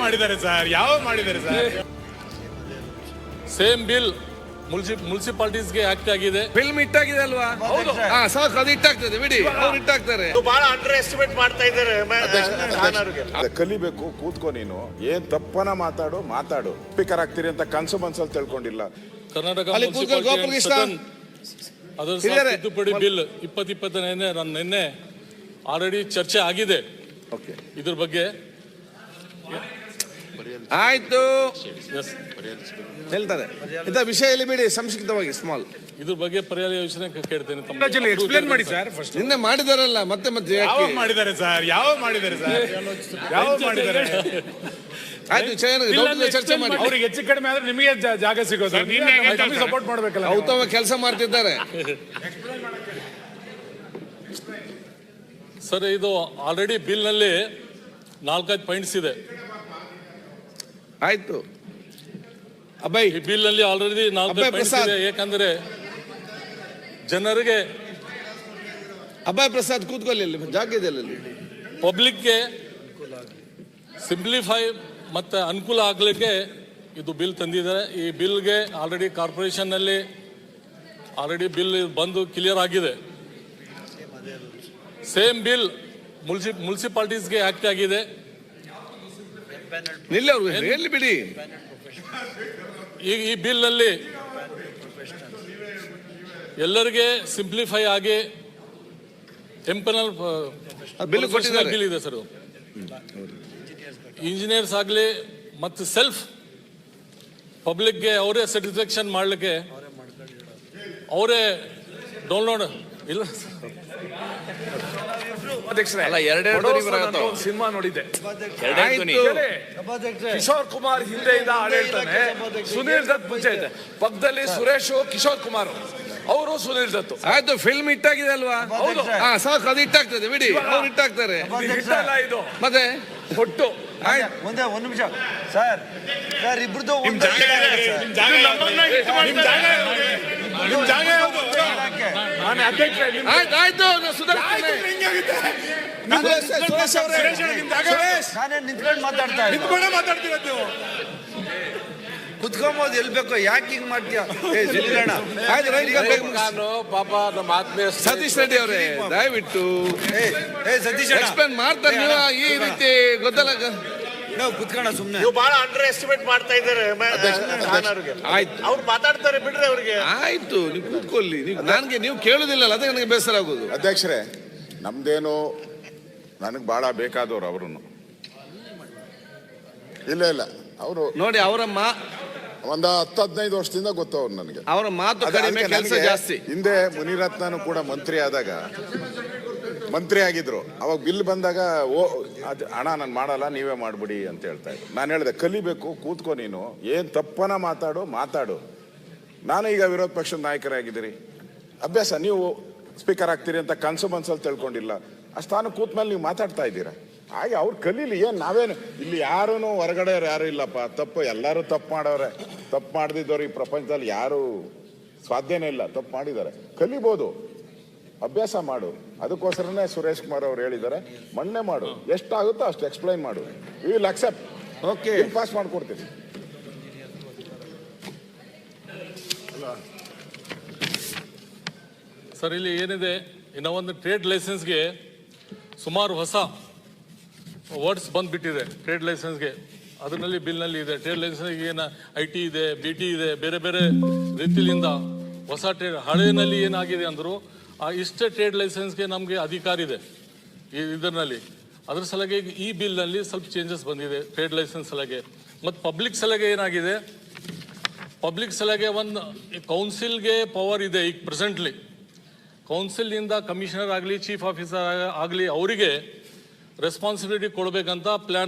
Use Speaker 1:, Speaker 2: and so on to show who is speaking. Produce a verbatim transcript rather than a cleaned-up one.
Speaker 1: ಮಾಡಿದ್ದಾರೆ ಸರ್, ಯಾವ ಮಾಡಿದ್ದಾರೆ ಸರ್?
Speaker 2: ಸೇಮ್ ಬಿಲ್ ಮುನ್ಸಿಪಾಲಿಟೀಸ್ಗೆ ಆಕ್ಟ್ ಆಗಿದೆ.
Speaker 3: ಫಿಲ್ಮ್ ಇಟ್ಟಾಗಿದೆ ಅಲ್ವಾ?
Speaker 2: ಹೌದು.
Speaker 3: ಹಾ ಸಾಕು, ಅದು ಇಟ್ಟಾಗ್ತದೆ ಬಿಡಿ, ಅವ್ರು ಇಟ್ಟಾಗ್ತಾರೆ.
Speaker 4: ಬಹಳ ಅಂಡರ್ ಎಸ್ಟಿಮೇಟ್ ಮಾಡ್ತಾ ಇದ್ದಾರೆ.
Speaker 5: ಕಲಿಬೇಕು, ಕೂತ್ಕೋ ನೀನು. ಏನ್ ತಪ್ಪನ ಮಾತಾಡು ಮಾತಾಡು ಸ್ಪೀಕರ್ ಆಗ್ತೀರಿ ಅಂತ ಕನ್ಸು ಮನ್ಸಲ್ಲಿ ತಿಳ್ಕೊಂಡಿಲ್ಲ.
Speaker 2: ಕರ್ನಾಟಕ
Speaker 3: ಅಲ್ಲಿ ಕೂತ್ಕೊ, ಗೋಪಾಲಕೃಷ್ಣ.
Speaker 2: ಅದರ ತಿದ್ದುಪಡಿ ಬಿಲ್ ಇಪ್ಪತ್ತು ಇಪ್ಪತ್ತನೇ ನಾನು ನಿನ್ನೆ ಆಲ್ರೆಡಿ ಚರ್ಚೆ ಆಗಿದೆ. ಇದ್ರ ಬಗ್ಗೆ
Speaker 3: ಆಯ್ತು, ಹೇಳ್ತಾರೆ ಇಂಥ ವಿಷಯ ಇಲ್ಲಿ ಬಿಡಿ, ಸಂಕ್ಷಿಪ್ತವಾಗಿ ಸ್ಮಾಲ್.
Speaker 2: ಇದ್ರ ಬಗ್ಗೆ ಪರ್ಯಾಯ ಯೋಜನೆ ಕೇಳ್ತೇನೆ.
Speaker 1: ಎಕ್ಸ್ಪ್ಲೇನ್ ಮಾಡಿ ಸರ್ ಫಸ್ಟ್.
Speaker 3: ನಿನ್ನೆ ಮಾಡಿದಾರಲ್ಲ, ಮತ್ತೆ ಮತ್ತೆ
Speaker 1: ಯಾವ
Speaker 3: ಯಾಕೆ?
Speaker 1: ಮಾಡಿದ್ದಾರೆ ಸರ್, ಯಾವ ಮಾಡಿದ್ದಾರೆ ಸರ್, ಯಾವ ಮಾಡಿದ್ದಾರೆ?
Speaker 3: ಆಯ್ತು, ಚೆನ್ನಾಗಿ ಚರ್ಚೆ ಮಾಡಿ.
Speaker 1: ಅವ್ರಿಗೆ ಹೆಚ್ಚು ಕಡಿಮೆ ಆದ್ರೆ ನಿಮಗೆ ಜಾ- ಜಾಗ ಸಿಗೋದು, ಸಪೋರ್ಟ್ ಮಾಡ್ಬೇಕಲ್ಲ.
Speaker 3: ಉತ್ತಮ ಕೆಲಸ ಮಾಡ್ತಿದ್ದಾರೆ.
Speaker 2: ಸರ್, ಇದು ಆಲ್ರೆಡಿ ಬಿಲ್ ನಲ್ಲಿ ನಾಲ್ಕೈದು ಪಾಯಿಂಟ್ಸ್ ಇದೆ.
Speaker 3: ಆಯ್ತು ಅಬ್ಬಾಯಿ,
Speaker 2: ಈ ಬಿಲ್ ನಲ್ಲಿ ಆಲ್ರೆಡಿ ನಾಲ್ಕೈದು
Speaker 3: ಅಬ್ಬಾಯಿ
Speaker 2: ಪಾಯಿಂಟ್ಸ್
Speaker 3: ಪ್ರಸಾದ್.
Speaker 2: ಇದೆ. ಯಾಕಂದ್ರೆ ಜನರಿಗೆ
Speaker 3: ಅಬ್ಬಾಯಿ ಪ್ರಸಾದ್ ಕೂತ್ಕೊಳ್ಳಿ, ಅಲ್ಲಿ ಜಾಗ ಇದೆ ಅಲ್ಲಿ.
Speaker 2: ಪಬ್ಲಿಕ್ಗೆ ಸಿಂಪ್ಲಿಫೈ ಮತ್ತೆ ಅನುಕೂಲ ಆಗಲಿಕ್ಕೆ ಇದು ಬಿಲ್ ತಂದಿದ್ದಾರೆ. ಈ ಬಿಲ್ಗೆ ಆಲ್ರೆಡಿ ಕಾರ್ಪೊರೇಷನ್ ನಲ್ಲಿ ಆಲ್ರೆಡಿ ಬಿಲ್ ಬಂದು ಕ್ಲಿಯರ್ ಆಗಿದೆ. ಸೇಮ್ ಬಿಲ್ ಮುನ್ಸಿ ಮುನ್ಸಿಪಾಲಿಟೀಸ್ಗೆ ಆಕ್ಟ್ ಆಗಿದೆ.
Speaker 3: ನಿಲ್ಲಿ, ಅವ್ರು ಹೇಳಿ ಬಿಡಿ.
Speaker 2: ಈಗ ಈ ಬಿಲ್ ನಲ್ಲಿ ಎಲ್ಲರಿಗೆ ಸಿಂಪ್ಲಿಫೈ ಆಗಿ ಟೆಂಪನಲ್
Speaker 3: ಬಿಲ್ ಕೊಟ್ಟಿದ್ದಾರೆ.
Speaker 2: ಬಿಲ್ ಇದೆ ಸರ್. ಇಂಜಿನಿಯರ್ಸ್ ಆಗಲಿ ಮತ್ತು ಸೆಲ್ಫ್ ಪಬ್ಲಿಕ್ಗೆ ಅವರೇ ಸ್ಯಾಟಿಸ್ಫ್ಯಾಕ್ಷನ್ ಮಾಡಲಿಕ್ಕೆ ಅವರೇ ಡೌನ್ಲೋಡ್ ಇಲ್ಲ.
Speaker 6: ಅಲ್ಲ, ಎರಡೆರಡು
Speaker 4: ಸಿನಿಮಾ ನೋಡಿದ್ದೆ.
Speaker 6: ಕಿಶೋರ್ ಕುಮಾರ್ ಹಿಂದೆಯಿಂದ ಆಡಳಿತಾನೆ, ಸುನೀಲ್ ದತ್ ಮುಂಚೆ ಇದೆ. ಪಕ್ಕದಲ್ಲಿ ಸುರೇಶ್, ಕಿಶೋರ್ ಕುಮಾರ್ ಅವರು, ಸುನೀಲ್ ದತ್.
Speaker 3: ಆಯ್ತು, ಫಿಲ್ಮ್ ಇಟ್ಟಾಗಿದೆ ಅಲ್ವಾ?
Speaker 6: ಹೌದು.
Speaker 3: ಹಾ ಸಾಕು, ಅದು ಇಟ್ಟಾಗ್ತದೆ ಬಿಡಿ, ಅವ್ರು ಇಟ್ಟಾಗ್ತಾರೆ.
Speaker 6: ಹಿಟ್ಟಲ್ಲ ಇದು,
Speaker 3: ಮತ್ತೆ
Speaker 6: ಒಟ್ಟು.
Speaker 4: ಮುಂದೆ ಒಂದು ನಿಮಿಷ ಸರ್, ಸರ್ ಇಬ್ರದ್ದು
Speaker 1: ನಿಮ್ ಜಾಗ ಯಾವ್ದು? ನಿಮ್ ಜಾಗ ಯಾವ್ದು? ನಿಮ್ ಜಾಗ ಯಾವ್ದು? ನಿಮ್ ಜಾಗ ಯಾವ್ದು?
Speaker 6: ನಾನು ಅಧ್ಯಕ್ಷ.
Speaker 3: ಆಯ್ತು ಆಯ್ತು, ಸುಧಾರಿಸ್ತೀನಿ. ಸುರೇಶ್ ಅವರೇ,
Speaker 1: ನಿಮ್ ಜಾಗ
Speaker 4: ನಾನೇ ನಿಂತ್ಕೊಂಡು ಮಾತಾಡ್ತಾ ಇದ್ದೀನಿ.
Speaker 1: ನಿಂತ್ಕೊಂಡೇ ಮಾತಾಡ್ತಿರೋದು ನೀವು.
Speaker 4: ಕುತ್ಕೊಂಬೋದು ಎಲ್ಲಿ ಬೇಕೋ, ಯಾಕೆ ಹಿಂಗ್ ಮಾಡ್ತೀಯ? ಏ ಜಲ್ಗಣ.
Speaker 3: ಆಯ್ತು, ರೈಟ್ ಬೇಗ ಮುಗಿಸಿ.
Speaker 6: ನಾನು ಪಾಪ ನಮ್ಮ ಆತ್ಮೀಯ
Speaker 3: ಸತೀಶ್ ರೆಡ್ಡಿ ಅವರೇ, ದಯವಿಟ್ಟು
Speaker 4: ಏ ಏ ಸತೀಶ್ ಅಣ್ಣ,
Speaker 3: ಎಕ್ಸ್ಪ್ಲೇನ್ ಮಾಡ್ತಾರೆ. ನೀವು ಈ ರೀತಿ ಗೊತ್ತಲ್ಲ.
Speaker 4: ನಾವು ಕುತ್ಕೋಣ ಸುಮ್ಮನೆ. ನೀವು ಬಹಳ ಅಂಡರ್ ಎಸ್ಟಿಮೇಟ್ ಮಾಡ್ತಾ ಇದ್ದಾರೆ.
Speaker 3: ಆಯ್ತು,
Speaker 4: ಅವ್ರು ಮಾತಾಡ್ತಾರೆ, ಬಿಡ್ರಿ ಅವ್ರಿಗೆ.
Speaker 3: ಆಯ್ತು, ನೀವು ಕೂತ್ಕೊಳ್ಳಿ. ನೀವು ನನಗೆ ನೀವು ಕೇಳುದಿಲ್ಲ, ಅದೇ ನನಗೆ ಬೇಸರ ಆಗೋದು.
Speaker 5: ಅಧ್ಯಕ್ಷರೇ, ನಮ್ದೇನು ನನಗೆ ಬಹಳ ಬೇಕಾದವ್ರು ಅವರು. ಇಲ್ಲ ಇಲ್ಲ ಅವರು
Speaker 3: ನೋಡಿ, ಅವರ ಮಾ
Speaker 5: ಒಂದ ಹತ್ತು ಹದಿನೈದು ವರ್ಷದಿಂದ ಗೊತ್ತವ್ರು ನನಗೆ.
Speaker 3: ಅವರ ಮಾತು ಕಡಿಮೆ, ಕೆಲಸ ಜಾಸ್ತಿ.
Speaker 5: ಹಿಂದೆ ಮುನಿರತ್ನನು ಕೂಡ ಮಂತ್ರಿ ಆದಾಗ ಮಂತ್ರಿ ಆಗಿದ್ರು. ಅವಾಗ ಬಿಲ್ ಬಂದಾಗ ಓ ಅದು ಅಣ್ಣ ನಾನು ಮಾಡಲ್ಲ, ನೀವೇ ಮಾಡ್ಬಿಡಿ ಅಂತ ಹೇಳ್ತಾ ಇದ್ರು. ನಾನು ಹೇಳಿದೆ ಕಲಿಬೇಕು, ಕೂತ್ಕೋ ನೀನು. ಏನ್ ತಪ್ಪನ ಮಾತಾಡು ಮಾತಾಡು. ನಾನು ಈಗ ವಿರೋಧ ಪಕ್ಷದ ನಾಯಕರಾಗಿದ್ದೀರಿ, ಅಭ್ಯಾಸ. ನೀವು ಸ್ಪೀಕರ್ ಆಗ್ತೀರಿ ಅಂತ ಕನ್ಸು ಮನ್ಸಲ್ಲಿ ತಿಳ್ಕೊಂಡಿಲ್ಲ. ಆ ಸ್ಥಾನ ಕೂತ್ ಮೇಲೆ ನೀವು ಮಾತಾಡ್ತಾ ಇದ್ದೀರಾ. ಹಾಗೆ ಅವ್ರು ಕಲೀಲಿ. ಏನ್ ನಾವೇನು ಇಲ್ಲಿ ಯಾರೂ ಹೊರಗಡೆ ಯಾರು ಇಲ್ಲಪ್ಪ. ತಪ್ಪು ಎಲ್ಲರೂ ತಪ್ಪು ಮಾಡೋರೆ. ತಪ್ಪು ಮಾಡದಿದ್ದವ್ರು ಈ ಪ್ರಪಂಚದಲ್ಲಿ ಯಾರು ಸಾಧ್ಯನೇ ಇಲ್ಲ. ತಪ್ಪು ಮಾಡಿದ್ದಾರೆ, ಕಲಿಬೋದು, ಅಭ್ಯಾಸ ಮಾಡು. ಅದಕ್ಕೋಸ್ಕರನೇ ಸುರೇಶ್ ಕುಮಾರ್ ಅವ್ರು ಹೇಳಿದ್ದಾರೆ, ಮಣ್ಣೆ ಮಾಡು, ಎಷ್ಟಾಗುತ್ತೋ ಅಷ್ಟು ಎಕ್ಸ್ಪ್ಲೈನ್ ಮಾಡು. We will accept. Okay, pass ಮಾಡ್ಕೊಡ್ತೀನಿ.
Speaker 2: ಸರ್, ಇಲ್ಲಿ ಏನಿದೆ, ಇನ್ನು ಒಂದು ಟ್ರೇಡ್ ಲೈಸೆನ್ಸ್ಗೆ ಸುಮಾರು ಹೊಸ ವರ್ಡ್ಸ್ ಬಂದ್ಬಿಟ್ಟಿದೆ. ಟ್ರೇಡ್ ಲೈಸೆನ್ಸ್ಗೆ ಅದರಲ್ಲಿ ಬಿಲ್ನಲ್ಲಿ ಇದೆ. ಟ್ರೇಡ್ ಲೈಸೆನ್ಸ್ಗೆ ಏನು ಐ ಟಿ ಇದೆ, ಬಿ ಟಿ ಇದೆ, ಬೇರೆ ಬೇರೆ ರೀತಿಯಿಂದ ಹೊಸ ಟ್ರೇಡ್. ಹಳೆಯಲ್ಲಿ ಏನಾಗಿದೆ ಅಂದರು, ಆ ಇಷ್ಟೇ ಟ್ರೇಡ್ ಲೈಸೆನ್ಸ್ಗೆ ನಮಗೆ ಅಧಿಕಾರ ಇದೆ ಈ ಇದರಲ್ಲಿ. ಅದ್ರ ಸಲಗೆ ಈ ಬಿಲ್ನಲ್ಲಿ ಸ್ವಲ್ಪ ಚೇಂಜಸ್ ಬಂದಿದೆ ಟ್ರೇಡ್ ಲೈಸೆನ್ಸ್ ಸಲಗೆ. ಮತ್ತು ಪಬ್ಲಿಕ್ ಸಲಗೆ ಏನಾಗಿದೆ, ಪಬ್ಲಿಕ್ ಸಲಗೆ ಒಂದು ಕೌನ್ಸಿಲ್ಗೆ ಪವರ್ ಇದೆ ಈಗ ಪ್ರೆಸೆಂಟ್ಲಿ. ಕೌನ್ಸಿಲ್ನಿಂದ ಕಮಿಷನರ್ ಆಗಲಿ, ಚೀಫ್ ಆಫೀಸರ್ ಆಗಲಿ, ಅವರಿಗೆ ರೆಸ್ಪಾನ್ಸಿಬಿಲಿಟಿ ಕೊಡಬೇಕಂತ ಪ್ಲ್ಯಾನ್